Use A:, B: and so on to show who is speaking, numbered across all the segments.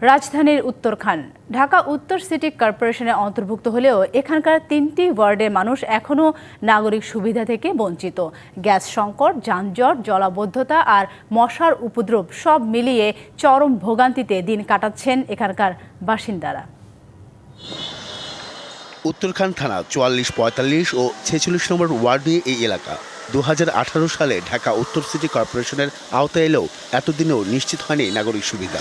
A: রাজধানীর উত্তরখান ঢাকা উত্তর সিটি কর্পোরেশনের অন্তর্ভুক্ত হলেও এখানকার ৩টি ওয়ার্ডের মানুষ এখনও নাগরিক সুবিধা থেকে বঞ্চিত। গ্যাস সংকট, যানজট, জলাবদ্ধতা আর মশার উপদ্রব সব মিলিয়ে চরম ভোগান্তিতে দিন কাটাচ্ছেন এখানকার বাসিন্দারা।
B: উত্তরখান থানা ৪৪, ৪৫ ও ৪৬ নম্বর ওয়ার্ড নিয়ে এই এলাকা ২০১৮ সালে ঢাকা উত্তর সিটি কর্পোরেশনের আওতায় এলেও এতদিনেও নিশ্চিত হয়নি নাগরিক সুবিধা।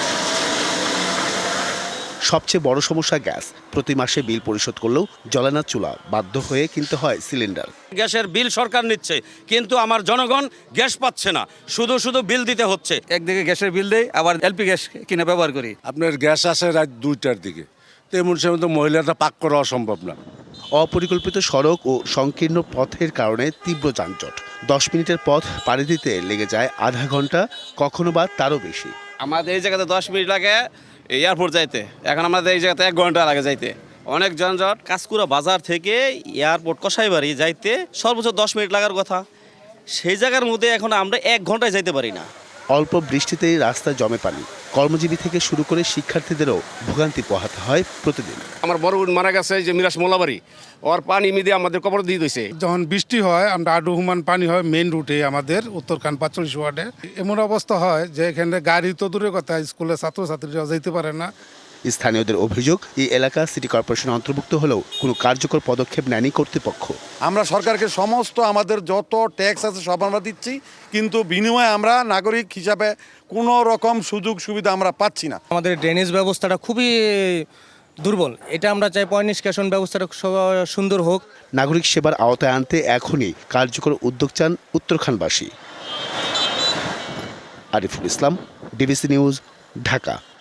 B: সবচেয়ে বড় সমস্যা গ্যাস। প্রতি মাসে বিল পরিশোধ করলেও জ্বলে না চুলা, বাধ্য হয়ে কিনতে হয় সিলিন্ডার।
C: গ্যাসের বিল সরকার নিচ্ছে, কিন্তু আমার জনগণ গ্যাস পাচ্ছে না, শুধু শুধু বিল দিতে হচ্ছে।
D: একদিকে গ্যাসের বিল দেয়, আবার এলপি গ্যাস কিনে ব্যবহার করি।
E: আপনার গ্যাস আসে রাত 2টার দিকে, তো এমন সময় তো মহিলাটা পাক করা অসম্ভব না।
B: অপরিকল্পিত সড়ক ও সংকীর্ণ পথের কারণে তীব্র যানজট। 10 মিনিটের পথ পাড়ি দিতে লেগে যায় আধা ঘন্টা, কখনো বা তারও বেশি।
C: আমাদের এই জায়গাতে 10 মিনিট লাগে এয়ারপোর্ট যাইতে, এখন আমাদের এই জায়গাতে 1 ঘন্টা লাগে যাইতে। অনেক যানজট। কাঁচকুড়া বাজার থেকে এয়ারপোর্ট কসাইবাড়ি যাইতে সর্বোচ্চ 10 মিনিট লাগার কথা, সেই জায়গার মধ্যে এখন আমরা 1 ঘন্টায় যাইতে পারি না।
B: অল্প বৃষ্টিতেই রাস্তায় জমে পানি। কর্মজীবী থেকে শুরু করে শিক্ষার্থীদেরও ভোগান্তি পোহাতে হয় প্রতিদিন।
F: আমার বড় বোন মারা গেছে, যে মিরাজ মোলাবাড়ি, ওর পানি মিদে আমাদের কবর দিয়ে দিয়েছে।
G: যখন বৃষ্টি হয় আমরা আডুহুমান পানি হয় মেইন রুটে আমাদের উত্তরখান ৪৫ ওয়ার্ডে। এমন অবস্থা হয় যে এখানে গাড়ি তো দূরের কথা, স্কুলে ছাত্রছাত্রীরা যেতে পারে না।
B: স্থানীয়দের অভিযোগ, এই এলাকা সিটি কর্পোরেশনের অন্তর্ভুক্ত হলেও কোনো কার্যকর পদক্ষেপ নেয়নি কর্তৃপক্ষ।
H: আমরা সরকারকে সমস্ত আমাদের যত ট্যাক্স আছে সব আমরা দিচ্ছি, কিন্তু বিনিময়ে আমরা নাগরিক হিসাবে কোনো রকম সুযোগ সুবিধা আমরা পাচ্ছি না।
I: আমাদের ড্রেনেজ ব্যবস্থাটা খুবই দুর্বল, এটা আমরা চাই পয় নিষ্কাশন ব্যবস্থাটা সুন্দর হোক।
B: নাগরিক সেবার আওতায় আনতে এখনই কার্যকর উদ্যোগ চান উত্তরখানবাসী। Ariful Islam, DBC news, Dhaka.